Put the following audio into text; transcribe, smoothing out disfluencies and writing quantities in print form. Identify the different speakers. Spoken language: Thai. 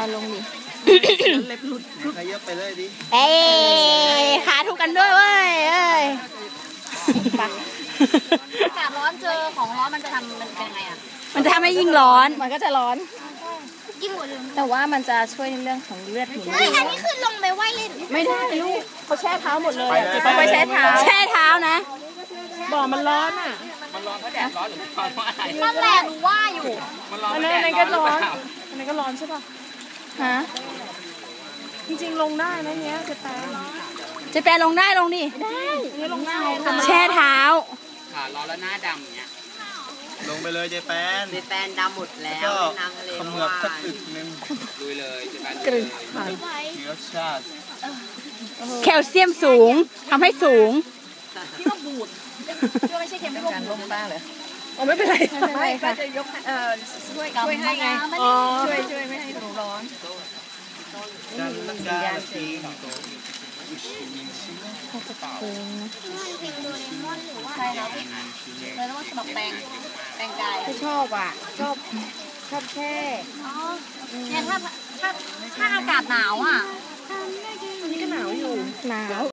Speaker 1: เอาลงดิ
Speaker 2: เล็บหลุดขยับไปเลยดิ
Speaker 1: เอ้ยขาถูกกันด้วยเว้ยเอ้ย
Speaker 3: อากาศร้อนเจอของร้อนมันจะทำมันเป็นไงอ่ะ
Speaker 1: มันจะทำให้ยิ่งร้อน
Speaker 3: มันก็จะร้อน
Speaker 1: ยิ่งกว่าเดิมแต่ว่ามันจะช่วยในเรื่องของเลือดหมุนเวียน
Speaker 3: อันนี้คือลงไปไหว้เล่น
Speaker 1: ไม่ได้ลูกเขาแช่เท้าหมดเลย
Speaker 3: เขาไปแช่เท้า
Speaker 1: นะ
Speaker 2: บ่อมันร้อนอ่ะ
Speaker 4: มันร้อนเพราะแดดร้อนหรือเพราะอะไร
Speaker 3: นั่นแหละหนูว่าอยู่
Speaker 4: มันร้อน
Speaker 2: อันนั้นก็ร้อนอันนั้นก็ร้อนใช่ป่ะ
Speaker 1: ฮะ
Speaker 2: จริงๆลงได้นะเนี้ยเ
Speaker 1: จะแปลลงได้ลงดิ
Speaker 2: นี่ลงได้
Speaker 1: แช่เท้า
Speaker 4: ขาร้อนแล้วหน้าดำอย่างเงี้ย
Speaker 2: ลงไปเลยเจแปน
Speaker 5: ดำหมดแล้วน้ำทะเล
Speaker 2: ขมือบสักอึกนึง
Speaker 4: ลุยเลยเจแปน
Speaker 2: เชื้อชาติ
Speaker 1: แคลเซียมสูงทำให้สูง
Speaker 3: พี่ว่าบูดช่วยไม่ใช่เค็มไม่ว่าบูด
Speaker 2: บ้างเลยไม่เป็นไร
Speaker 3: ไม่ก็จะยกช่วยให้ไงช่วยไม่ให้หนูร้อนใช่แล้วเลยต้องสมัครแปลงกาย
Speaker 1: ชอบอ่ะชอบแค่
Speaker 3: เนี่ยถ้าอากาศหนาวอ่ะ
Speaker 2: นี่ก็หนาวอยู่
Speaker 1: หนาว